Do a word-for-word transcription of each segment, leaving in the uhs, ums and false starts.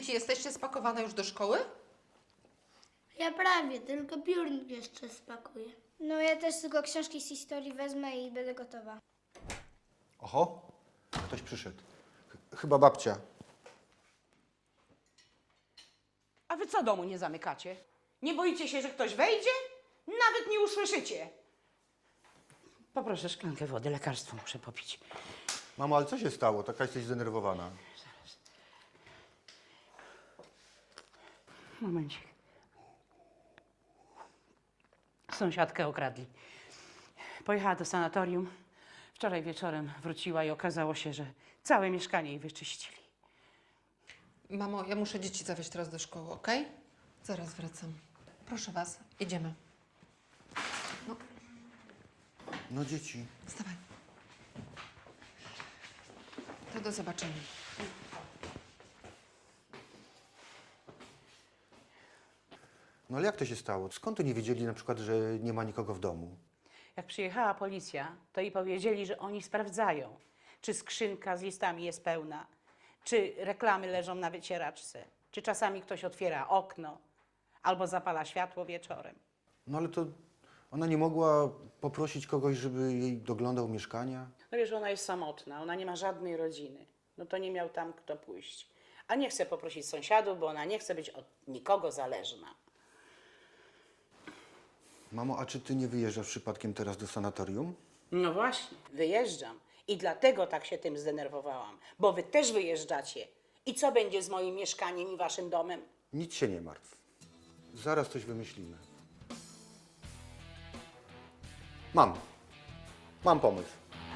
Dzieci, jesteście spakowane już do szkoły? Ja prawie, tylko piórnik jeszcze spakuję. No ja też tylko książki z historii wezmę i będę gotowa. Oho, ktoś przyszedł. Ch- Chyba babcia. A wy co domu nie zamykacie? Nie boicie się, że ktoś wejdzie? Nawet nie usłyszycie. Poproszę szklankę wody, lekarstwo muszę popić. Mamo, ale co się stało? Taka jesteś zdenerwowana. Momencik. Sąsiadkę okradli. Pojechała do sanatorium. Wczoraj wieczorem wróciła i okazało się, że całe mieszkanie jej wyczyścili. Mamo, ja muszę dzieci zawieźć teraz do szkoły, okej? Zaraz wracam. Proszę was, idziemy. No, No dzieci. wstawaj. To do zobaczenia. No ale jak to się stało? Skąd oni wiedzieli na przykład, że nie ma nikogo w domu? Jak przyjechała policja, to jej powiedzieli, że oni sprawdzają, czy skrzynka z listami jest pełna, czy reklamy leżą na wycieraczce, czy czasami ktoś otwiera okno albo zapala światło wieczorem. No ale to ona nie mogła poprosić kogoś, żeby jej doglądał mieszkania? No wiesz, ona jest samotna, ona nie ma żadnej rodziny. No to nie miał tam kto pójść. A nie chce poprosić sąsiadów, bo ona nie chce być od nikogo zależna. Mamo, a czy ty nie wyjeżdżasz przypadkiem teraz do sanatorium? No właśnie, wyjeżdżam. I dlatego tak się tym zdenerwowałam, bo wy też wyjeżdżacie. I co będzie z moim mieszkaniem i waszym domem? Nic się nie martw. Zaraz coś wymyślimy. Mam. Mam pomysł.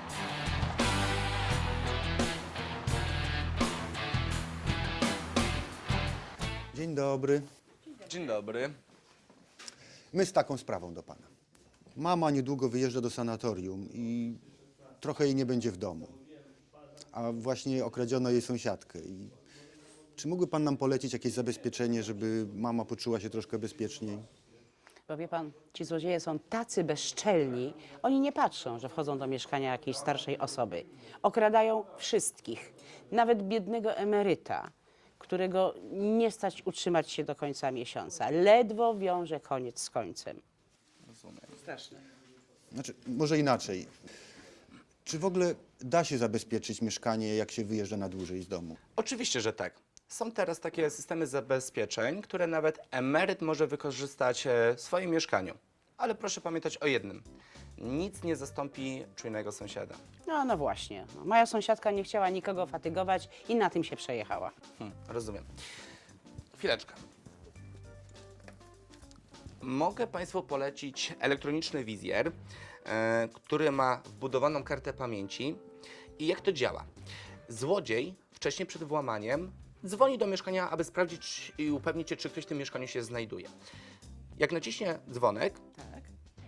Dzień dobry. Dzień dobry. My z taką sprawą do pana. Mama niedługo wyjeżdża do sanatorium i trochę jej nie będzie w domu. A właśnie okradziono jej sąsiadkę. I czy mógłby pan nam polecić jakieś zabezpieczenie, żeby mama poczuła się troszkę bezpieczniej? Bo wie pan, ci złodzieje są tacy bezczelni, oni nie patrzą, że wchodzą do mieszkania jakiejś starszej osoby. Okradają wszystkich, nawet biednego emeryta, którego nie stać utrzymać się do końca miesiąca. Ledwo wiąże koniec z końcem. Rozumiem. Straszne. Znaczy, może inaczej. Czy w ogóle da się zabezpieczyć mieszkanie, jak się wyjeżdża na dłużej z domu? Oczywiście, że tak. Są teraz takie systemy zabezpieczeń, które nawet emeryt może wykorzystać e, w swoim mieszkaniu. Ale proszę pamiętać o jednym. Nic nie zastąpi czujnego sąsiada. No, no właśnie. No, moja sąsiadka nie chciała nikogo fatygować i na tym się przejechała. Hmm, rozumiem. Chwileczkę. Mogę Państwu polecić elektroniczny wizjer, e, który ma wbudowaną kartę pamięci. I jak to działa? Złodziej wcześniej przed włamaniem dzwoni do mieszkania, aby sprawdzić i upewnić się, czy ktoś w tym mieszkaniu się znajduje. Jak naciśnie dzwonek, Tak.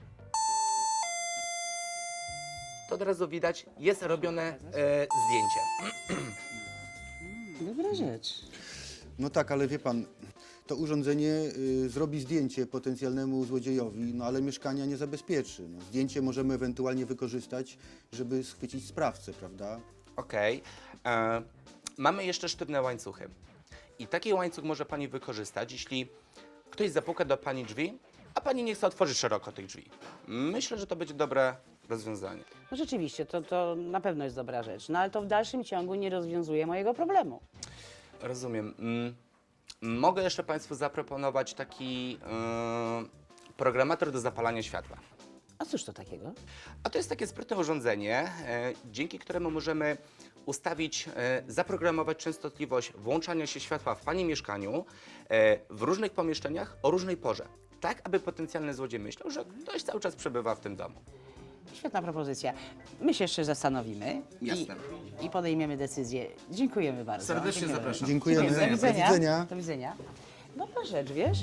to od razu widać, jest robione e, zdjęcie. Dobra rzecz. No tak, ale wie pan, to urządzenie y, zrobi zdjęcie potencjalnemu złodziejowi, no ale mieszkania nie zabezpieczy. No, zdjęcie możemy ewentualnie wykorzystać, żeby schwycić sprawcę, prawda? Okej. E, Mamy jeszcze sztywne łańcuchy. I taki łańcuch może Pani wykorzystać, jeśli ktoś zapuka do Pani drzwi, a Pani nie chce otworzyć szeroko tych drzwi. Myślę, że to będzie dobre rozwiązanie. No rzeczywiście, to, to na pewno jest dobra rzecz. No ale to w dalszym ciągu nie rozwiązuje mojego problemu. Rozumiem. Mm, Mogę jeszcze Państwu zaproponować taki e, programator do zapalania światła. A cóż to takiego? A to jest takie sprytne urządzenie, e, dzięki któremu możemy ustawić, e, zaprogramować częstotliwość włączania się światła w Pani mieszkaniu e, w różnych pomieszczeniach o różnej porze. Tak, aby potencjalny złodziej myślał, że ktoś cały czas przebywa w tym domu. Świetna propozycja. My się jeszcze zastanowimy Jasne. i, i podejmiemy decyzję. Dziękujemy bardzo. Serdecznie Dziękujemy. zapraszam. Dziękujemy. Do widzenia. Do widzenia. Do widzenia. Dobra rzecz, wiesz?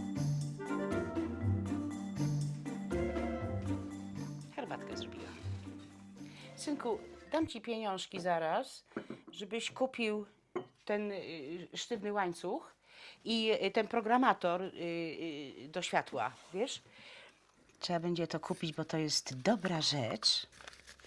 Herbatkę zrobiłam. Synku, dam ci pieniążki zaraz, żebyś kupił ten y, sztywny łańcuch i y, ten programator y, y, do światła, wiesz? Trzeba będzie to kupić, bo to jest dobra rzecz.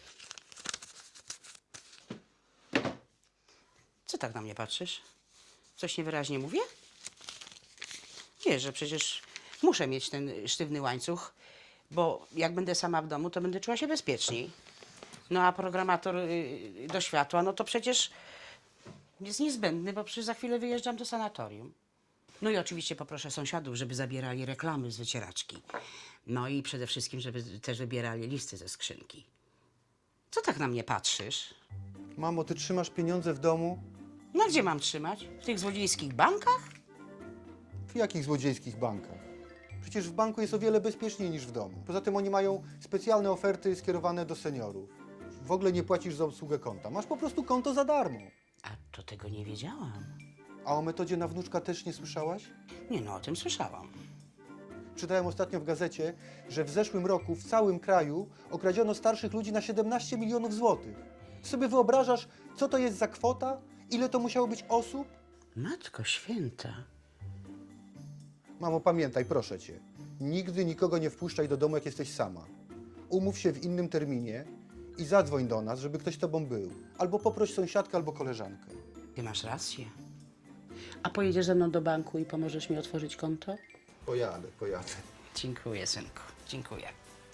Co tak na mnie patrzysz? Coś niewyraźnie mówię? Wiesz, że przecież muszę mieć ten sztywny łańcuch, bo jak będę sama w domu, to będę czuła się bezpieczniej. No a programator y, do światła, no to przecież jest niezbędny, bo przecież za chwilę wyjeżdżam do sanatorium. No i oczywiście poproszę sąsiadów, żeby zabierali reklamy z wycieraczki. No i przede wszystkim, żeby też wybierali listy ze skrzynki. Co tak na mnie patrzysz? Mamo, ty trzymasz pieniądze w domu? No gdzie mam trzymać? W tych złodziejskich bankach? W jakich złodziejskich bankach? Przecież w banku jest o wiele bezpieczniej niż w domu. Poza tym oni mają specjalne oferty skierowane do seniorów. W ogóle nie płacisz za obsługę konta. Masz po prostu konto za darmo. A to tego nie wiedziałam. A o metodzie na wnuczka też nie słyszałaś? Nie no, o tym słyszałam. Czytałem ostatnio w gazecie, że w zeszłym roku w całym kraju okradziono starszych ludzi na siedemnaście milionów złotych. Ty sobie wyobrażasz, co to jest za kwota? Ile to musiało być osób? Matko święta. Mamo, pamiętaj, proszę cię. Nigdy nikogo nie wpuszczaj do domu, jak jesteś sama. Umów się w innym terminie i zadzwoń do nas, żeby ktoś z tobą był. Albo poproś sąsiadkę, albo koleżankę. Ty masz rację. A pojedziesz ze mną do banku i pomożesz mi otworzyć konto? Pojadę, pojadę. Dziękuję, synku. Dziękuję.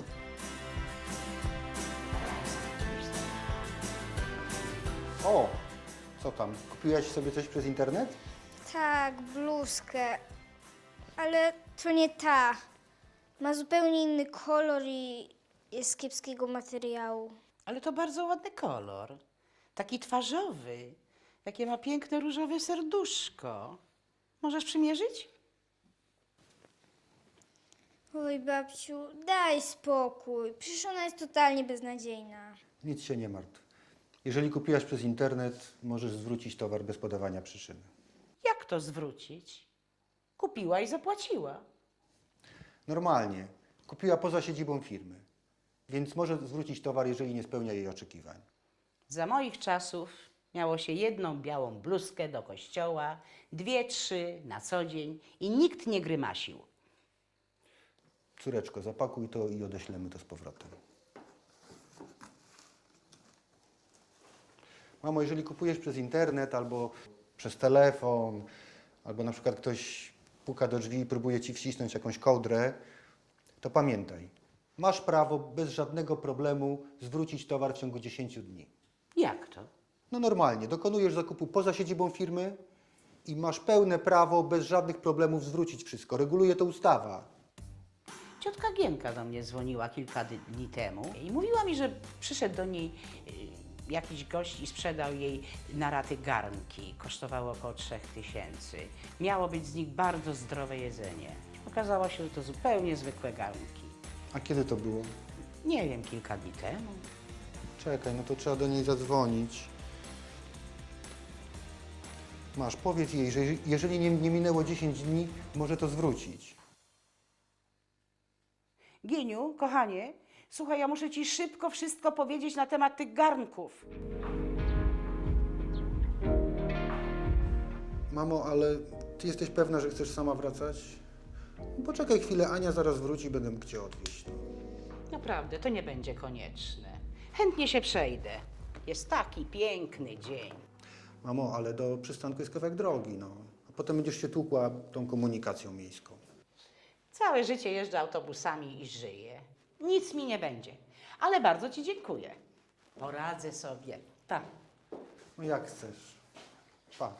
O, co tam? Kupiłaś sobie coś przez internet? Tak, bluzkę. Ale to nie ta. Ma zupełnie inny kolor i jest z kiepskiego materiału. Ale to bardzo ładny kolor. Taki twarzowy. Jakie ma piękne różowe serduszko. Możesz przymierzyć? Oj, babciu, daj spokój. Przecież ona jest totalnie beznadziejna. Nic się nie martw. Jeżeli kupiłaś przez internet, możesz zwrócić towar bez podawania przyczyny. Jak to zwrócić? Kupiła i zapłaciła. Normalnie. Kupiła poza siedzibą firmy. Więc może zwrócić towar, jeżeli nie spełnia jej oczekiwań. Za moich czasów miało się jedną białą bluzkę do kościoła, dwie, trzy na co dzień i nikt nie grymasił. Córeczko, zapakuj to i odeślemy to z powrotem. Mamo, jeżeli kupujesz przez internet albo przez telefon, albo na przykład ktoś puka do drzwi i próbuje ci wcisnąć jakąś kołdrę, to pamiętaj, masz prawo bez żadnego problemu zwrócić towar w ciągu dziesięciu dni. Jak to? No normalnie, dokonujesz zakupu poza siedzibą firmy i masz pełne prawo bez żadnych problemów zwrócić wszystko. Reguluje to ustawa. Ciotka Gienka do mnie dzwoniła kilka dy- dni temu i mówiła mi, że przyszedł do niej y, jakiś gość i sprzedał jej na raty garnki. Kosztowało około trzech tysięcy. Miało być z nich bardzo zdrowe jedzenie. Okazało się, że to zupełnie zwykłe garnki. A kiedy to było? Nie wiem, kilka dni temu. Czekaj, no to trzeba do niej zadzwonić. Masz, powiedz jej, że jeżeli nie, nie minęło dziesięć dni, może to zwrócić. Gieniu, kochanie, słuchaj, ja muszę ci szybko wszystko powiedzieć na temat tych garnków. Mamo, ale ty jesteś pewna, że chcesz sama wracać? Poczekaj chwilę, Ania zaraz wróci, będę mógł cię odwieźć. Naprawdę, to nie będzie konieczne. Chętnie się przejdę. Jest taki piękny dzień. Mamo, ale do przystanku jest kawałek drogi, no. A potem będziesz się tłukła tą komunikacją miejską. Całe życie jeżdżę autobusami i żyję. Nic mi nie będzie. Ale bardzo ci dziękuję. Poradzę sobie. Tak. No jak chcesz. Pa.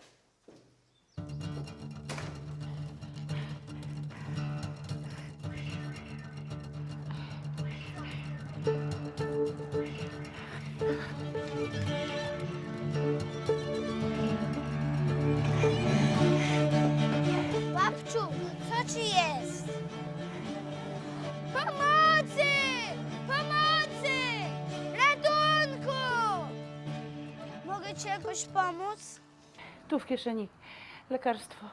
Babciu, co ci jest? Pomocy! Pomocy! Ratunku! Mogę ci jakoś pomóc? Tu w kieszeni lekarstwo.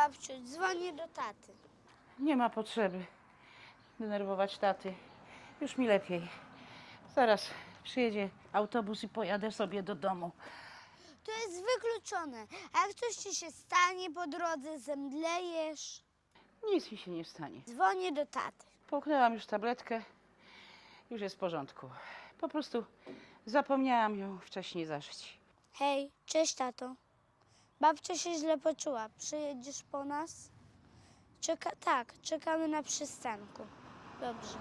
babciu, dzwonię do taty. Nie ma potrzeby denerwować taty. Już mi lepiej. Zaraz przyjedzie autobus i pojadę sobie do domu. To jest wykluczone. A jak coś ci się stanie po drodze, zemdlejesz? Nic mi się nie stanie. Dzwonię do taty. Połknęłam już tabletkę. Już jest w porządku. Po prostu zapomniałam ją wcześniej zażyć. Hej, cześć tato. Babcia się źle poczuła. Przyjedziesz po nas? Czeka tak, czekamy na przystanku. Dobrze.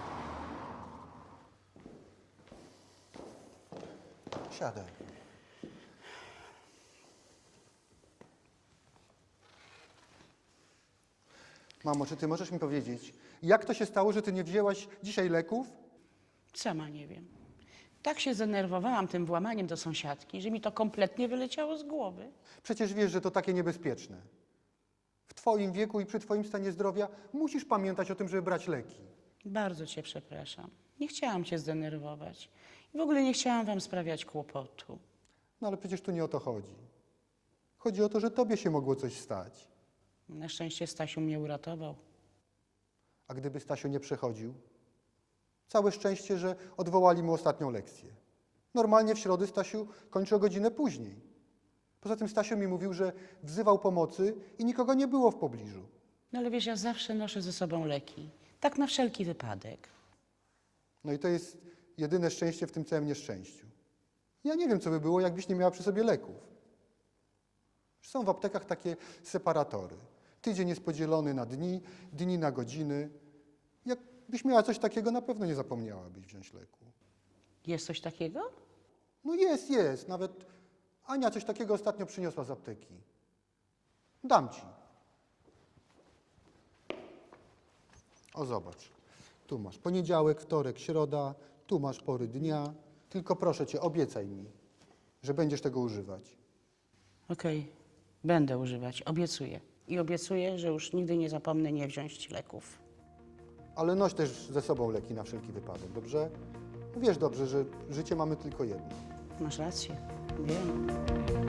Siadaj. Mamo, czy ty możesz mi powiedzieć, jak to się stało, że ty nie wzięłaś dzisiaj leków? Sama nie wiem. Tak się zdenerwowałam tym włamaniem do sąsiadki, że mi to kompletnie wyleciało z głowy. Przecież wiesz, że to takie niebezpieczne. W twoim wieku i przy twoim stanie zdrowia musisz pamiętać o tym, żeby brać leki. Bardzo cię przepraszam. Nie chciałam cię zdenerwować. I w ogóle nie chciałam wam sprawiać kłopotu. No ale przecież tu nie o to chodzi. Chodzi o to, że tobie się mogło coś stać. Na szczęście Stasiu mnie uratował. A gdyby Stasiu nie przechodził? Całe szczęście, że odwołali mu ostatnią lekcję. Normalnie w środę Stasiu kończy o godzinę później. Poza tym Stasiu mi mówił, że wzywał pomocy i nikogo nie było w pobliżu. No ale wiesz, ja zawsze noszę ze sobą leki. Tak na wszelki wypadek. No i to jest jedyne szczęście w tym całym nieszczęściu. Ja nie wiem, co by było, jakbyś nie miała przy sobie leków. Są w aptekach takie separatory. Tydzień jest podzielony na dni, dni na godziny. Jakbyś miała coś takiego, na pewno nie zapomniałabyś wziąć leku. Jest coś takiego? No jest, jest. Nawet Ania coś takiego ostatnio przyniosła z apteki. Dam ci. O, zobacz. Tu masz poniedziałek, wtorek, środa. Tu masz pory dnia. Tylko proszę cię, obiecaj mi, że będziesz tego używać. Okej, będę używać, obiecuję. I obiecuję, że już nigdy nie zapomnę nie wziąć leków. Ale noś też ze sobą leki na wszelki wypadek, dobrze? Wiesz dobrze, że życie mamy tylko jedno. Masz rację, wiem.